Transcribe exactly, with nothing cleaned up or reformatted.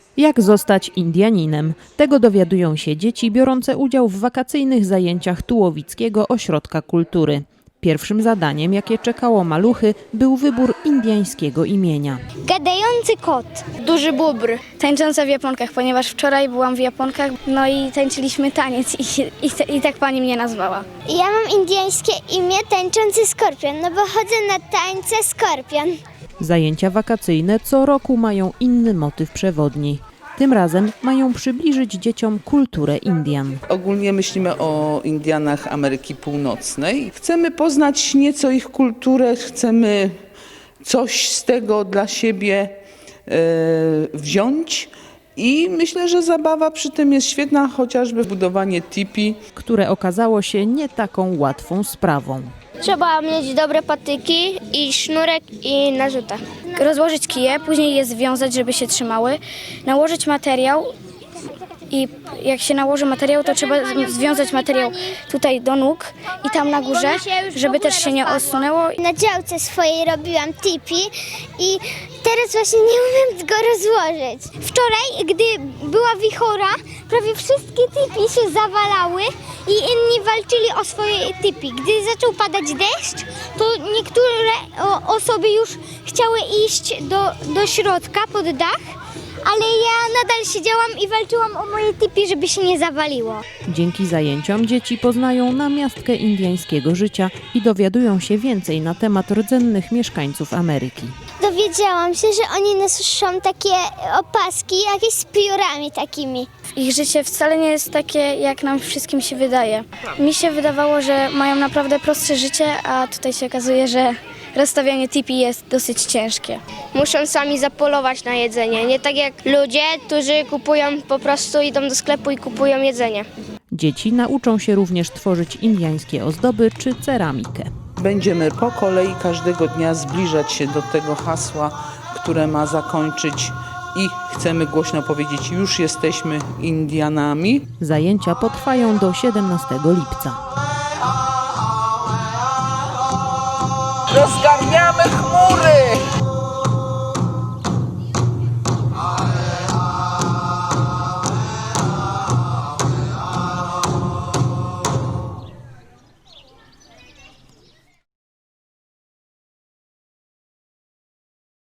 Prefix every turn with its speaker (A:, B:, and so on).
A: Jak zostać Indianinem? Tego dowiadują się dzieci biorące udział w wakacyjnych zajęciach Tułowickiego Ośrodka Kultury. Pierwszym zadaniem, jakie czekało maluchy, był wybór indiańskiego imienia.
B: Gadający kot.
C: Duży bóbr, tańcząca w japonkach, ponieważ wczoraj byłam w japonkach, no i tańczyliśmy taniec i, i, i tak pani mnie nazwała.
B: Ja mam indyjskie imię Tańczący Skorpion, no bo chodzę na tańce skorpion.
A: Zajęcia wakacyjne co roku mają inny motyw przewodni. Tym razem mają przybliżyć dzieciom kulturę Indian.
D: Ogólnie myślimy o Indianach Ameryki Północnej. Chcemy poznać nieco ich kulturę, chcemy coś z tego dla siebie e, wziąć i myślę, że zabawa przy tym jest świetna, chociażby budowanie tipi.
A: Które okazało się nie taką łatwą sprawą.
B: Trzeba mieć dobre patyki i sznurek i narzuta.
C: Rozłożyć kije, później je związać, żeby się trzymały, nałożyć materiał i jak się nałoży materiał, to trzeba związać materiał tutaj do nóg i tam na górze, żeby też się nie osunęło.
B: Na działce swojej robiłam tipi i teraz właśnie nie umiem go rozłożyć. Wczoraj, gdy była wichura, prawie wszystkie tipi się zawalały i inni walczyli o swoje tipi. Gdy zaczął padać deszcz, to niektóre o, osoby już chciały iść do, do środka pod dach, ale ja nadal siedziałam i walczyłam o moje tipi, żeby się nie zawaliło.
A: Dzięki zajęciom dzieci poznają namiastkę indiańskiego życia i dowiadują się więcej na temat rdzennych mieszkańców Ameryki.
B: Dowiedziałam się, że oni noszą takie opaski jakieś z piórami takimi.
C: Ich życie wcale nie jest takie, jak nam wszystkim się wydaje. Mi się wydawało, że mają naprawdę prostsze życie, a tutaj się okazuje, że rozstawianie tipi jest dosyć ciężkie.
E: Muszą sami zapolować na jedzenie, nie tak jak ludzie, którzy kupują, po prostu idą do sklepu i kupują jedzenie.
A: Dzieci nauczą się również tworzyć indiańskie ozdoby czy ceramikę.
D: Będziemy po kolei każdego dnia zbliżać się do tego hasła, które ma zakończyć i chcemy głośno powiedzieć, już jesteśmy Indianami.
A: Zajęcia potrwają do siedemnastego lipca.
D: Rozgarniamy chmury!